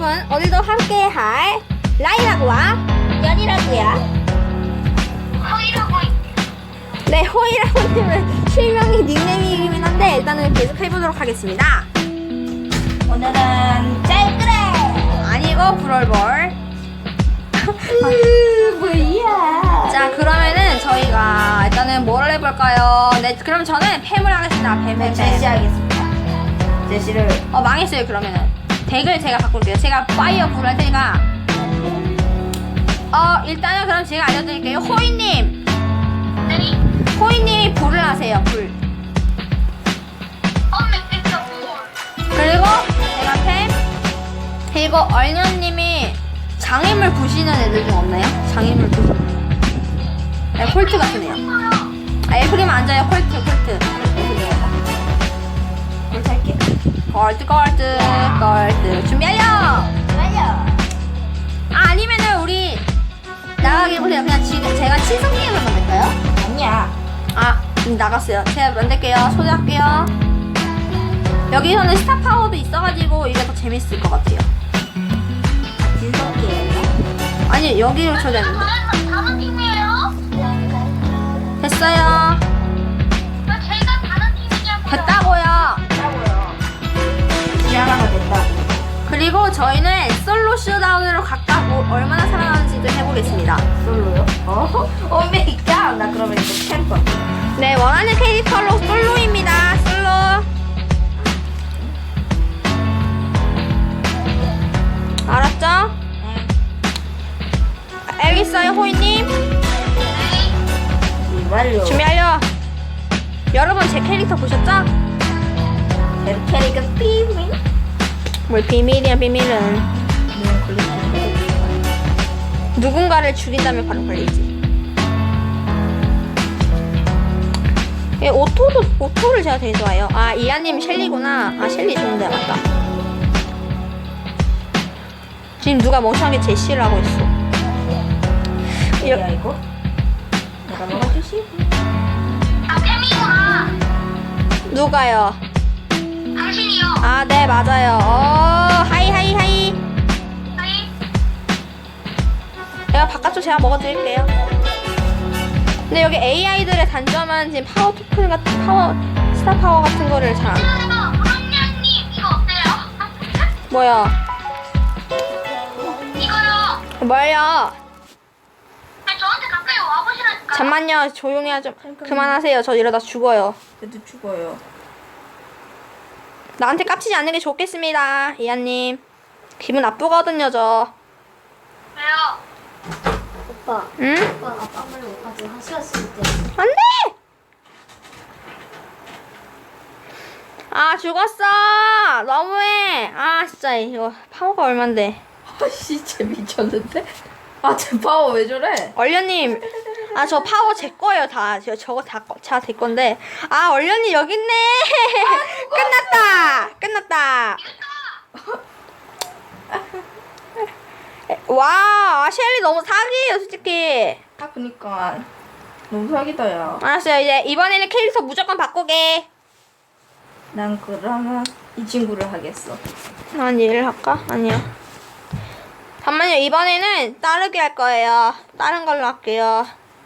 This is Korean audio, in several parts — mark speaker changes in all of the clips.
Speaker 1: 여러분, 오늘도 함께 할 라이라고와 연이라고요. 네, 호이라고님은 실명이 닉네임이긴 한데 일단은 계속 해보도록 하겠습니다.
Speaker 2: 오늘은 짤그레
Speaker 1: 아니고 브롤볼.
Speaker 2: 뭐야?
Speaker 1: 자, 그러면은 저희가 일단은 뭘 해볼까요? 네, 그럼 저는 팸을 하겠습니다. 팸을.
Speaker 2: 제시하겠습니다. 제시를
Speaker 1: 망했어요. 그러면은 덱을 제가 바꿀게요. 제가 파이어 불 할 테니까 일단은 그럼 제가 알려드릴게요. 호이님, 호이님이 불을 하세요. 불. 그리고 제가 팸. 그리고 얼년님이 장애물 부시는 애들 중 없나요? 장애물 부시는. 네, 콜트 같은 애요. 에프림 앉아요. 콜트.
Speaker 2: 콜트 할게.
Speaker 1: 꼴트 준비하여. 아니면은 우리 나가게 보세요. 그냥 지금 제가 친선 게임을 만들까요?
Speaker 2: 아니야.
Speaker 1: 나갔어요. 제가 만들게요. 초대할게요. 여기서는 스타 파워도 있어가지고 이게 더 재밌을 것 같아요.
Speaker 2: 진석이에요.
Speaker 1: 아니, 여기로 초대했는데.
Speaker 3: 다른 팀이에요?
Speaker 1: 됐어요.
Speaker 3: 제가 다른 팀이냐고요?
Speaker 1: 됐다고요.
Speaker 2: 짜고요. 지하나가 됐다고.
Speaker 1: 그리고 저희는 솔로 쇼다운으로 각각 얼마나 살아나는지도 해보겠습니다.
Speaker 2: 솔로요? 오메이갓. 나 그러면 이거 캠퍼.
Speaker 1: 네, 원하는 캐릭터로 솔로입니다. 솔로. 알았죠? 알겠어요, 호이님.
Speaker 2: 완료.
Speaker 1: 준비하려. 여러분, 제 캐릭터 보셨죠?
Speaker 2: 캐릭터 비밀.
Speaker 1: 뭘 비밀이야, 비밀은. 누군가를 죽인다면 바로 걸리지. 예, 오토를 제가 되게 좋아해요. 이하님 셸리구나. 셸리 좋은데, 맞다. 지금 누가 멍청하게 제시를 하고 있어.
Speaker 2: 뭐야 이거? 내가 먹어주시.
Speaker 3: 팸이구나.
Speaker 1: 누가요?
Speaker 3: 당신이요.
Speaker 1: 네, 맞아요. 하이.
Speaker 3: 아니,
Speaker 1: 내가 바깥쪽 제가 먹어드릴게요. 근데 여기 AI들의 단점은 지금 파워 토큰 같은 스타 파워 같은 거를 잘 안.
Speaker 3: 브론냐님 이거 어때요?
Speaker 1: 뭐야?
Speaker 3: 이거요.
Speaker 1: 뭐야?
Speaker 3: 저한테 가까이 와보시라니까.
Speaker 1: 잠만요. 조용히 하죠. 그만하세요. 저 이러다 죽어요.
Speaker 2: 얘도 죽어요.
Speaker 1: 나한테 깝치지 않는 게 좋겠습니다. 이하님. 기분 나쁘거든요, 저.
Speaker 3: 왜요?
Speaker 4: 오빠,
Speaker 1: 응?
Speaker 4: 오빠 아빠 말로 오빠도 하시가 쓸 때.
Speaker 1: 안 돼! 죽었어! 너무해! 진짜, 이거, 파워가 얼만데.
Speaker 2: 진짜 미쳤는데? 제 파워 왜 저래?
Speaker 1: 얼련님, 저 파워 제 거예요, 다. 저거 다 제 건데. 얼련님 여기 있네! 끝났다! 와, 셸리 너무 사기예요, 솔직히.
Speaker 2: 그니까. 너무 사기다, 야.
Speaker 1: 알았어요, 이제 이번에는 캐릭터 무조건 바꾸게.
Speaker 2: 난 그러면 이 친구를 하겠어.
Speaker 1: 난 얘를 할까? 아니야. 잠만요, 이번에는 따르게 할 거예요. 다른 걸로 할게요.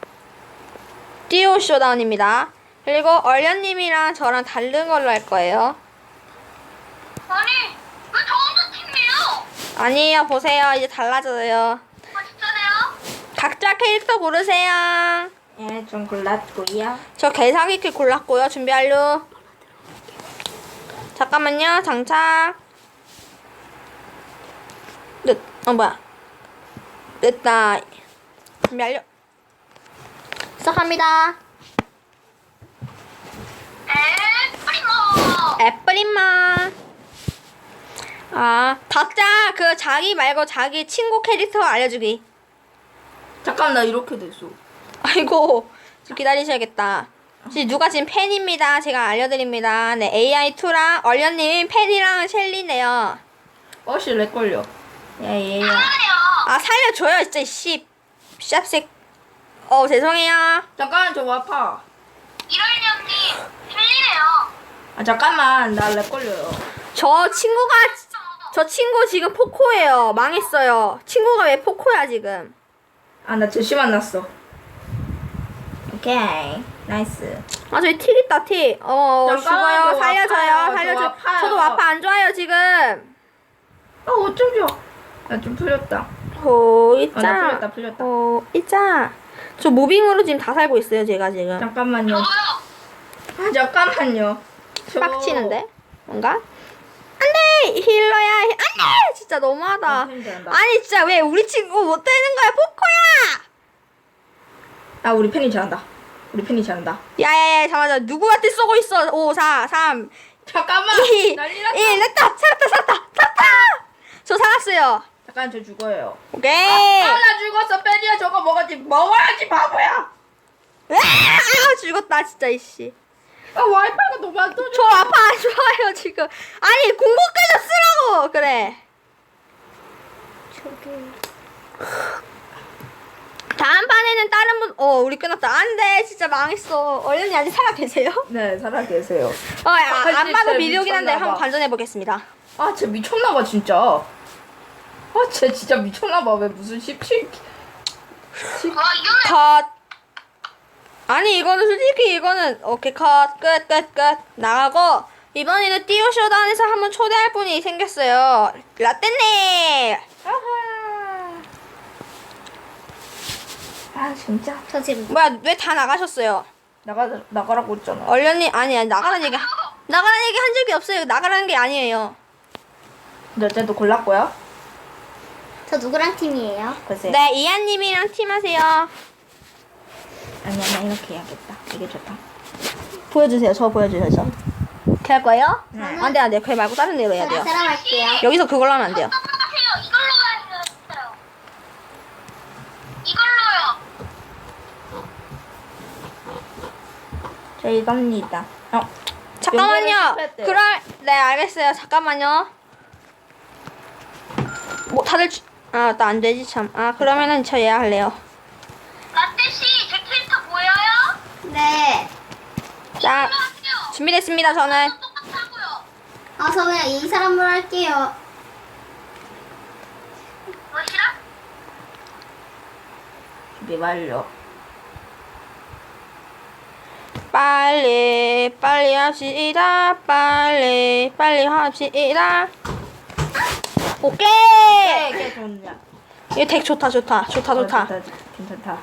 Speaker 1: 듀오 쇼다운입니다. 그리고 얼련님이랑 저랑 다른 걸로 할 거예요.
Speaker 3: 아니, 왜 저 혼자 팀이에요?
Speaker 1: 아니에요, 보세요. 이제 달라져요.
Speaker 3: 진짜네요?
Speaker 1: 각자 캐릭터 고르세요.
Speaker 2: 예, 좀 골랐고요.
Speaker 1: 저 개사기킬 골랐고요. 준비하려. 잠깐만요, 장착. 뭐야. 됐다. 준비하려. 시작합니다.
Speaker 3: 프리모.
Speaker 1: 애플인마. 각자 자기 말고 자기 친구 캐릭터 알려주기.
Speaker 2: 잠깐, 나 이렇게 됐어.
Speaker 1: 아이고, 좀 기다리셔야겠다. 누가 지금 팬입니다. 제가 알려드립니다. 네, AI2랑 얼련님 팬이랑 셸리네요.
Speaker 2: 씨, 렉 걸려. 얘야.
Speaker 3: 아니요.
Speaker 1: 살려줘요, 진짜, 샵색. 죄송해요.
Speaker 2: 잠깐, 저 와파.
Speaker 3: 이럴리 언니 틀리네요.
Speaker 2: 잠깐만, 나 렉 걸려요.
Speaker 1: 저 친구가 저 친구 지금 포코예요. 망했어요. 친구가 왜 포코야 지금?
Speaker 2: 아, 나 제시 만났어. 오케이. 나이스.
Speaker 1: 아 저기 틱 있다 틱.
Speaker 2: 잠깐만요.
Speaker 1: 죽어요. 살려줘요.
Speaker 2: 아파요.
Speaker 1: 살려줘.
Speaker 2: 저 아파요.
Speaker 1: 저도 와파 안 좋아요 지금.
Speaker 2: 아, 어쩌죠? 나 좀 풀렸다.
Speaker 1: 호
Speaker 2: 아,
Speaker 1: 있자.
Speaker 2: 나 풀렸다.
Speaker 1: 호 있자. 저 모빙으로 지금 다 살고 있어요 제가 지금.
Speaker 2: 잠깐만요.
Speaker 3: 저도요.
Speaker 2: 아, 잠깐만요.
Speaker 1: 빡치는데 뭔가? 안돼 힐러야. 안돼 진짜 너무하다.
Speaker 2: 팬이
Speaker 1: 아니 진짜 왜 우리 친구 못 되는 거야 포코야?
Speaker 2: 아, 우리 팬이 잘한다. 우리 팬이 잘한다.
Speaker 1: 야야야 잠깐만 누구한테 쏘고 있어? 5 4 3
Speaker 2: 잠깐만.
Speaker 1: 2
Speaker 2: 난리 났다.
Speaker 1: 1 됐다 살았다. 저 살았어요.
Speaker 2: 잠깐, 저 죽어요.
Speaker 1: 오케이.
Speaker 2: 아, 나 죽었어. 팬이야, 저거 먹어야지, 바보야.
Speaker 1: 죽었다 진짜 이씨.
Speaker 2: 아, 와이파이가 너무 안 터져.
Speaker 1: 저 아파 안 좋아요 지금. 아니 공고까지 쓰라고 그래.
Speaker 4: 저기.
Speaker 1: 다음 판에는 다른 분. 우리 끝났다. 안돼 진짜 망했어. 얼른이 아직 살아 계세요?
Speaker 2: 네, 살아 계세요.
Speaker 1: 안
Speaker 2: 진짜
Speaker 1: 봐도 비디오긴 한데
Speaker 2: 미쳤나 봐.
Speaker 1: 한번 관전해 보겠습니다.
Speaker 2: 아, 쟤 미쳤나봐, 진짜. 아, 쟤 진짜 미쳤나봐. 왜 무슨 17.
Speaker 3: 와 이거는
Speaker 1: 컷. 아니 이거는 솔직히 이거는 오케이 컷 끝 나가고 이번에는 띠오 쇼다운에서 한번 초대할 분이 생겼어요. 라떼님.
Speaker 2: 아하. 아, 진짜.
Speaker 4: 저 지금
Speaker 1: 뭐야 왜 다 나가셨어요?
Speaker 2: 나가라고 했잖아.
Speaker 1: 얼련님 아니 나가라는 얘기 한 적이 없어요. 나가라는 게 아니에요.
Speaker 2: 근데 어쨌든 골랐고요.
Speaker 4: 저 누구랑 팀이에요?
Speaker 2: 글쎄.
Speaker 1: 네 이한님이랑 팀하세요.
Speaker 2: 아니야, 나 이렇게 해야겠다. 이게 좋다.
Speaker 1: 보여주세요. 저 보여주세요. 저. 이렇게 할 거예요?
Speaker 2: 네.
Speaker 1: 안돼 그래 말고 다른 데로 해야 돼요.
Speaker 4: 사람 할게요.
Speaker 1: 여기서 그걸로 하면 안 돼요.
Speaker 3: 하세요. 이걸로 해주세요. 이걸로요.
Speaker 2: 저 이겁니다.
Speaker 1: 잠깐만요.
Speaker 2: 연결을 실패했대요.
Speaker 1: 그럼 네 알겠어요. 잠깐만요. 뭐 다들 나 안 되지 참. 그러면은 저 얘 할래요.
Speaker 3: 라떼 씨, 제 캐릭터 보여요?
Speaker 4: 네.
Speaker 1: 자
Speaker 3: 하세요.
Speaker 1: 준비됐습니다. 저는
Speaker 3: 똑같다고요.
Speaker 4: 저 그냥 이 사람으로 할게요.
Speaker 3: 뭐시라?
Speaker 2: 준비 완료.
Speaker 1: 빨리 합시다. 빨리 합시다. 오케이.
Speaker 2: 이게 좋냐?
Speaker 1: 이 덱 좋다.
Speaker 2: 좋다.
Speaker 1: 좋다.
Speaker 2: 괜찮다.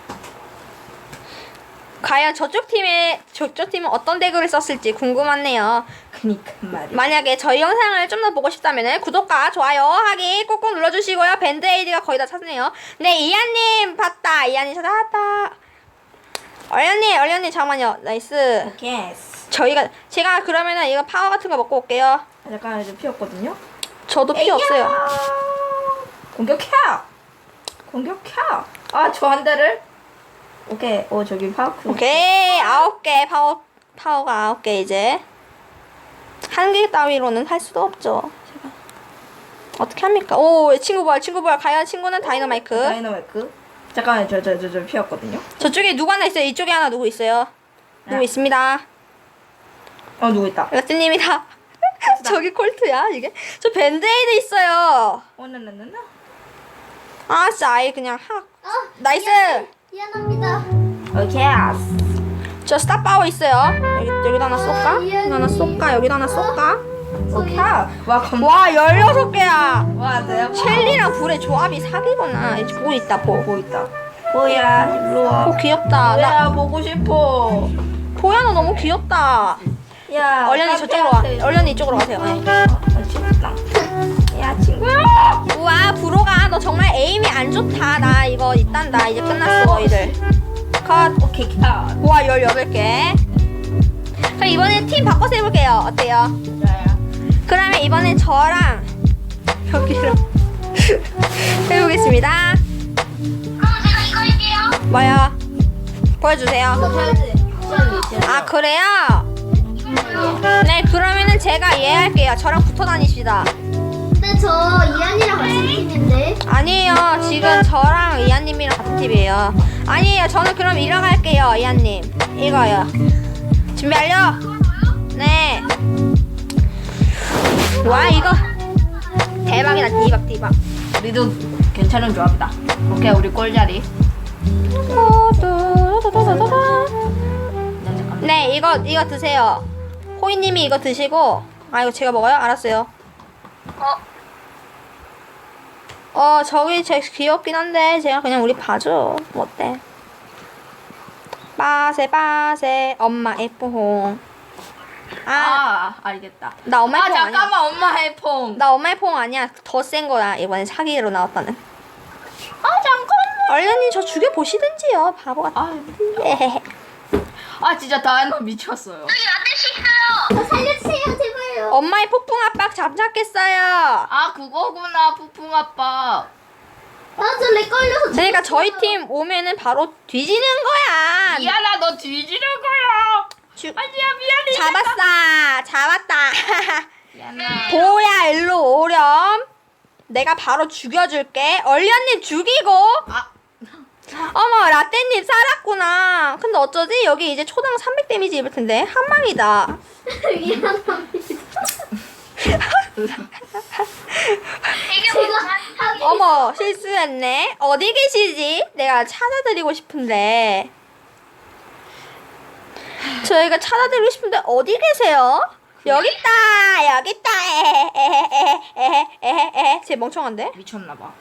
Speaker 1: 과연 저쪽 팀은 어떤 덱을 썼을지 궁금하네요.
Speaker 2: 그니까 말이야.
Speaker 1: 만약에 저희 영상을 좀 더 보고 싶다면 구독과 좋아요 하기 꼭꼭 눌러주시고요. 밴드에이드가 거의 다 찼네요. 네 이한님 봤다. 이한님 찾아왔다. 얼련님 잠깐만요. 나이스.
Speaker 2: 오케이.
Speaker 1: 제가 그러면은 이거 파워 같은 거 먹고 올게요.
Speaker 2: 잠깐 이제 피었거든요.
Speaker 1: 저도 피 없어요.
Speaker 2: 공격해. 아, 저 한 대를. 오케이. 저기 파워크.
Speaker 1: 오케이 9개 파워가 9개 이제 한 개 따위로는 할 수도 없죠. 제가 어떻게 합니까? 친구 볼 과연 친구는 다이너마이크.
Speaker 2: 다이너마이크. 잠깐만, 저 피었거든요.
Speaker 1: 저쪽에 누구 하나 있어요. 이쪽에 하나 누구 있어요. 누구 있습니다.
Speaker 2: 누구 있다.
Speaker 1: 여스님이다. 저기 콜트야 이게. 저 밴드에이드 있어요.
Speaker 2: 나나나나.
Speaker 1: 진짜 아예 그냥 나이스.
Speaker 4: 미안합니다.
Speaker 2: 오케이.
Speaker 1: 저 스타 파워 있어요. 여기도 하나 쏠까? 여기도 하나 쏠까? 여기도 하나 쏠까?
Speaker 2: 오케이. 와,
Speaker 1: 와 16개야.
Speaker 2: 와, 내가
Speaker 1: 첼리랑 불의 조합이 사기구나. 이제 보고 있다 보
Speaker 2: 있다. 뭐야, 일로 와.
Speaker 1: 귀엽다.
Speaker 2: 야, 보고 싶어.
Speaker 1: 보야 너 너무 귀엽다.
Speaker 2: 야,
Speaker 1: 얼련이 저쪽으로 와. 얼련이 이쪽으로 가세요. 네.
Speaker 2: 진짜. 야, 친구야.
Speaker 1: 우와 브로가 너 정말 에임이 안 좋다. 나 이거 이딴다. 이제 끝났어 너희들. 컷.
Speaker 2: 오케이, 캬.
Speaker 1: 우와 18개. 그럼 이번엔 팀 바꿔서 해볼게요. 어때요?
Speaker 2: 자야.
Speaker 1: 그러면 이번엔 저랑 여기로 해보겠습니다.
Speaker 3: 그럼 제가 이거 할게요.
Speaker 1: 뭐요? 보여주세요. 그래요? 네 그러면은 제가 얘 할게요. 저랑 붙어 다니시다.
Speaker 4: 근데 저 이한이랑 같은 팀인데.
Speaker 1: 아니에요. 지금 저랑 이한님이랑 같은 팀이에요. 아니에요. 저는 그럼 이러 갈게요. 이한님 이거요. 준비 완료? 네. 와 이거 대박이다. 디박.
Speaker 2: 우리도 괜찮은 조합이다. 오케이, 우리 꼴자리.
Speaker 1: 네, 이거 드세요. 호이님이 이거 드시고. 아, 이거 제가 먹어요? 알았어요. 저기 제 귀엽긴 한데 제가 그냥 우리 봐줘. 뭐 어때? 빠세 엄마의 뽕.
Speaker 2: 알겠다.
Speaker 1: 나 엄마의 뽕 아니야.
Speaker 2: 잠깐만, 엄마의 퐁.
Speaker 1: 나 엄마의 뽕 아니야. 더 센 거야. 이번에 사기로 나왔다는.
Speaker 2: 잠깐만.
Speaker 1: 얼른님 저 죽여 보시든지요. 바보 같아.
Speaker 2: 진짜 다이너 미쳤어요.
Speaker 3: 여기 라떼씨 있어요.
Speaker 4: 살려주세요, 제발요.
Speaker 1: 엄마의 폭풍 압박 잠잡겠어요.
Speaker 2: 그거구나, 푸풍 아빠.
Speaker 4: 저 렉 걸려서.
Speaker 1: 그러니까 저희 팀 오면은 바로 뒤지는 거야.
Speaker 2: 미안아, 너 뒤지는 거야. 아니야, 미안해.
Speaker 1: 잡았다.
Speaker 2: 미안해.
Speaker 1: 보야 일로 오렴. 내가 바로 죽여줄게. 얼련님 죽이고. 어머 라떼님 살았구나. 근데 어쩌지? 여기 이제 초당 300 데미지 입을 텐데 한 방이다.
Speaker 4: 미안합니다.
Speaker 3: 되게
Speaker 4: 제가
Speaker 3: 많아.
Speaker 1: 어머 실수했네. 어디 계시지? 내가 찾아드리고 싶은데. 저희가 찾아드리고 싶은데 어디 계세요? 여기 있다. 에헤헤헤헤헤헤헤. 쟤 멍청한데?
Speaker 2: 미쳤나봐.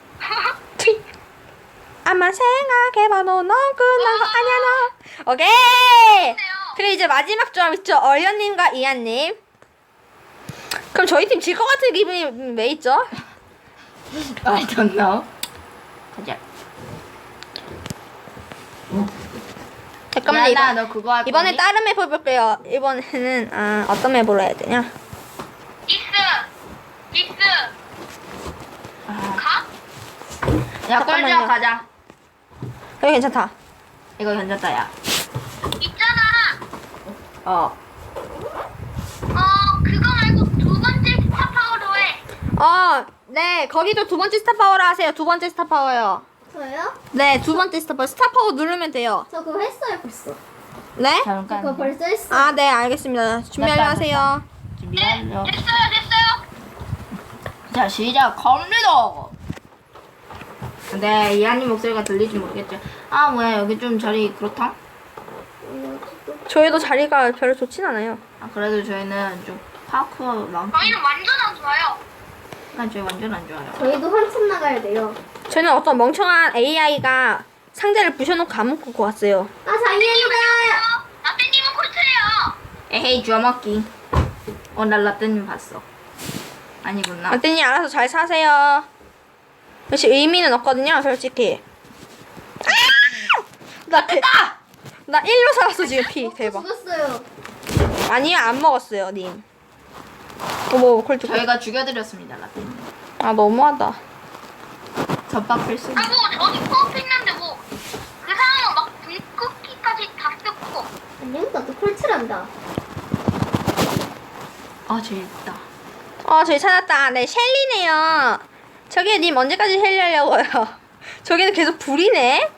Speaker 1: 아마 생각해봐. 너 끝난 거 아니야 너. 오케이. 그래 이제 마지막 조합 있죠. 얼련님과 이한님. 그럼 저희 팀 질 것 같은 기분이 왜 있죠?
Speaker 2: I don't know. 가자.
Speaker 1: 잠깐만
Speaker 2: 미안아, 너 그거 할
Speaker 1: 이번에
Speaker 2: 거니?
Speaker 1: 다른 맵 해볼게요. 이번에는 어떤 맵으로 해야 되냐?
Speaker 3: 익스. 가?
Speaker 2: 야,
Speaker 1: 잠깐만요.
Speaker 2: 꼴자 가자.
Speaker 1: 여기 괜찮다.
Speaker 2: 이거 괜찮다, 야.
Speaker 3: 있잖아. 그거 말고 두 번째 스타 파워로 해.
Speaker 1: 네 거기도 두 번째 스타 파워로 하세요. 두 번째 스타 파워요.
Speaker 4: 저요?
Speaker 1: 네 두 번째 스타 파워. 스타 파워 누르면 돼요.
Speaker 4: 저 그거 했어요, 벌써.
Speaker 1: 네?
Speaker 2: 잠깐.
Speaker 4: 그거 벌써 했어요.
Speaker 1: 네 알겠습니다. 준비하려 하세요.
Speaker 2: 준비하려.
Speaker 3: 됐어요.
Speaker 2: 자, 시작합니다. 근데 이한님 목소리가 들리지 모르겠죠. 뭐야, 여기 좀 자리 그렇다?
Speaker 1: 저희도 자리가 별로 좋진 않아요.
Speaker 2: 그래도 저희는 좀 파크만큼.
Speaker 3: 저희는 완전 안 좋아요.
Speaker 2: 저희 완전 안 좋아요.
Speaker 4: 저희도 한참 나가야 돼요.
Speaker 1: 저는 어떤 멍청한 AI가 상자를 부셔놓고 안 먹고 왔어요.
Speaker 4: 장이입니다.
Speaker 3: 라떼님은 콜트예요.
Speaker 2: 에헤이, 주워먹기. 나 라떼님 봤어. 아니구나.
Speaker 1: 라떼님 알아서 잘 사세요. 역시 의미는 없거든요, 솔직히. 나 1로 살았어 지금 피. 대박.
Speaker 4: 죽었어요.
Speaker 1: 아니요 안 먹었어요 님. 어머 콜트.
Speaker 2: 저희가 죽여드렸습니다, 라떼님.
Speaker 1: 너무하다.
Speaker 2: 젖밥 필수.
Speaker 3: 저기 코앞에 있는데 그 사람은 막 불끄기까지 다 쓰고.
Speaker 4: 안녕, 나도 콜트란다.
Speaker 2: 재밌다.
Speaker 1: 저희 찾았다. 네 셸리네요. 저기 님 언제까지 셸리 하려고요? 저기는 계속 불이네.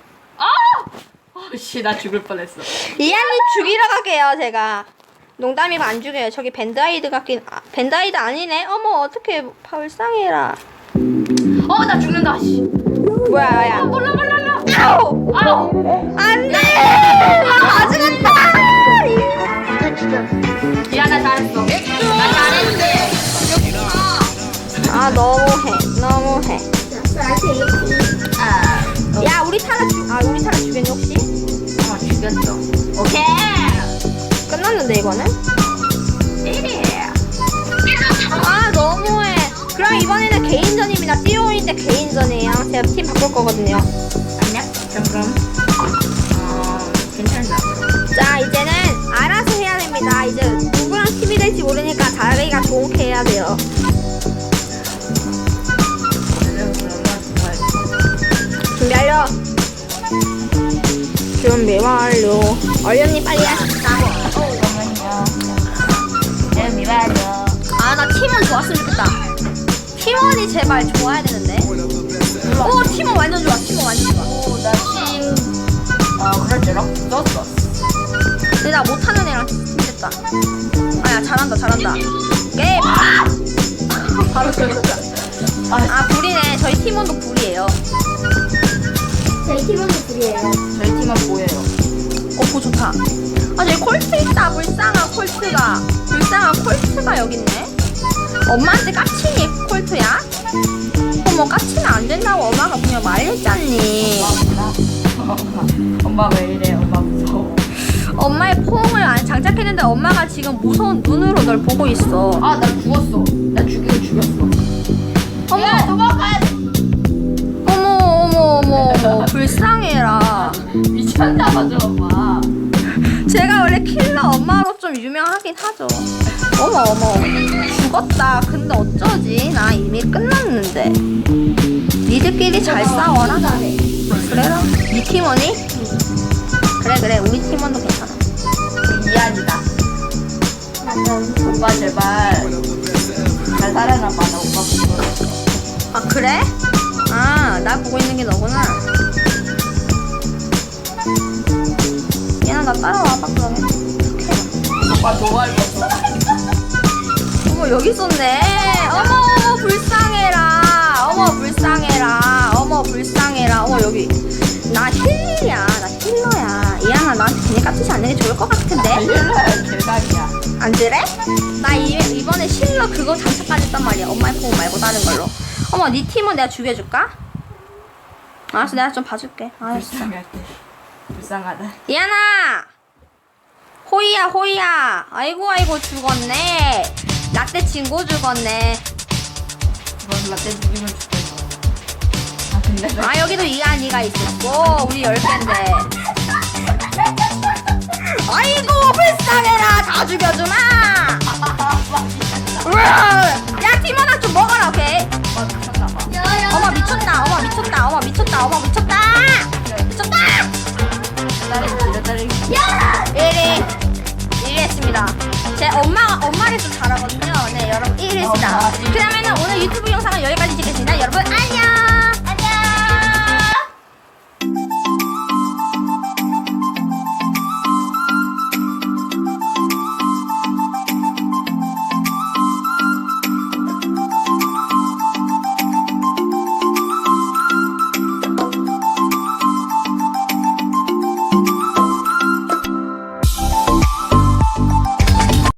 Speaker 2: 나 죽을 뻔했어.
Speaker 1: 이한님 죽이러 갈게요 제가. 농담이고 안 죽여요. 저기 밴드아이드 같긴. 밴드아이드 아니네. 어머 어떡해 불쌍해라.
Speaker 2: 나 죽는다, 씨.
Speaker 1: 뭐야 야.
Speaker 2: 몰라.
Speaker 1: 아우 안돼. 다 죽었다.
Speaker 2: 미안해, 잘했어. 나 잘했지.
Speaker 1: 너무해.
Speaker 4: 나한테 이렇게.
Speaker 1: 야 우리 타라 죽였니 혹시?
Speaker 2: 죽였어. 오케이.
Speaker 1: 끝났는데 이거는?
Speaker 2: 네.
Speaker 1: 너무해. 그럼 이번에는 개인전입니다. 띠오인데 개인전이에요. 제가 팀 바꿀 거거든요.
Speaker 2: 안녕. 그럼. 괜찮다.
Speaker 1: 자 이제는 알아서 해야 됩니다. 이제 누구랑 팀이 될지 모르니까 자기가 좋게 해야 돼요. 준비 완료. 얼련님 빨리 하십시다. 나 팀원 좋았으면 좋겠다. 팀원이 제발 좋아야 되는데. 팀원 완전 좋아.
Speaker 2: 그럴지록 썼어.
Speaker 1: 근데 나 못하는 애랑 됐다. 잘한다. 게임. 바로 들어갔다. 아 불이네. 저희 팀원도 불이에요.
Speaker 4: 저희 팀원도 둘이에요.
Speaker 2: 저희 팀은 뭐예요?
Speaker 1: 보 좋다. 아 저기 콜트 있다. 불쌍한 콜트가. 불쌍한 콜트가 여기 있네. 엄마한테 까치니 콜트야? 어머 까치면 안 된다고 엄마가 그냥 말했잖니.
Speaker 2: 엄마 왜 이래? 엄마 무서워.
Speaker 1: 엄마의 포옹을 안 장착했는데 엄마가 지금 무서운 눈으로 널 보고 있어.
Speaker 2: 아, 나 죽었어. 나 죽이고 죽였어.
Speaker 1: 어머
Speaker 2: 도망가야 돼.
Speaker 1: 어머 불쌍해라.
Speaker 2: 미쳤나봐, 저 엄마.
Speaker 1: 제가 원래 킬러 엄마로 좀 유명하긴 하죠. 어머 죽었다. 근데 어쩌지? 나 이미 끝났는데. 니들끼리 잘 싸워라.
Speaker 4: 잘해.
Speaker 1: 그래라. 니 팀원이? 그래 우리 팀원도 괜찮아.
Speaker 2: 미안이다.
Speaker 4: 맞아.
Speaker 2: 오빠 제발 잘 살아남아. 나 오빠 무서워.
Speaker 1: 아 그래? 아 나 보고 있는 게 너구나. 얘나 나 따라와봐 그러면.
Speaker 2: 오빠 좋아할 거.
Speaker 1: 어머 여기 있었네. 어머 불쌍해라. 어머 불쌍해라. 어머 여기. 나 힐이야. 나 힐러야. 이하나 나한테 괜히 까투시 안 내게 좋을 것 같은데.
Speaker 2: 알려라, 대박이야.
Speaker 1: 안 그래? 나 이번에 실러 그거 장착까지 했단 말이야. 엄마의 포옹 말고 다른 걸로. 어머 네 팀은 내가 죽여줄까? 알았어 내가 좀 봐줄게. 알았어.
Speaker 2: 불쌍할 때. 불쌍하다.
Speaker 1: 이하나 호이야 아이고 죽었네. 라떼 친구 죽었네.
Speaker 2: 이건 라떼 죽이면 죽겠어. 아, 근데 나
Speaker 1: 아 여기도 이한이가 있었고 우리 10개인데. 아이고 불쌍해라. 다 죽여주마. 우와. 야 팀원아 좀 먹어라. 오케이.
Speaker 2: 오빠 미쳤나봐.
Speaker 1: 어머 미쳤다.
Speaker 2: 기다리기.
Speaker 1: 1위 했습니다. 제 엄마를 좀 잘하거든요. 네 여러분 1위 했습니다.
Speaker 2: 엄마.
Speaker 1: 그러면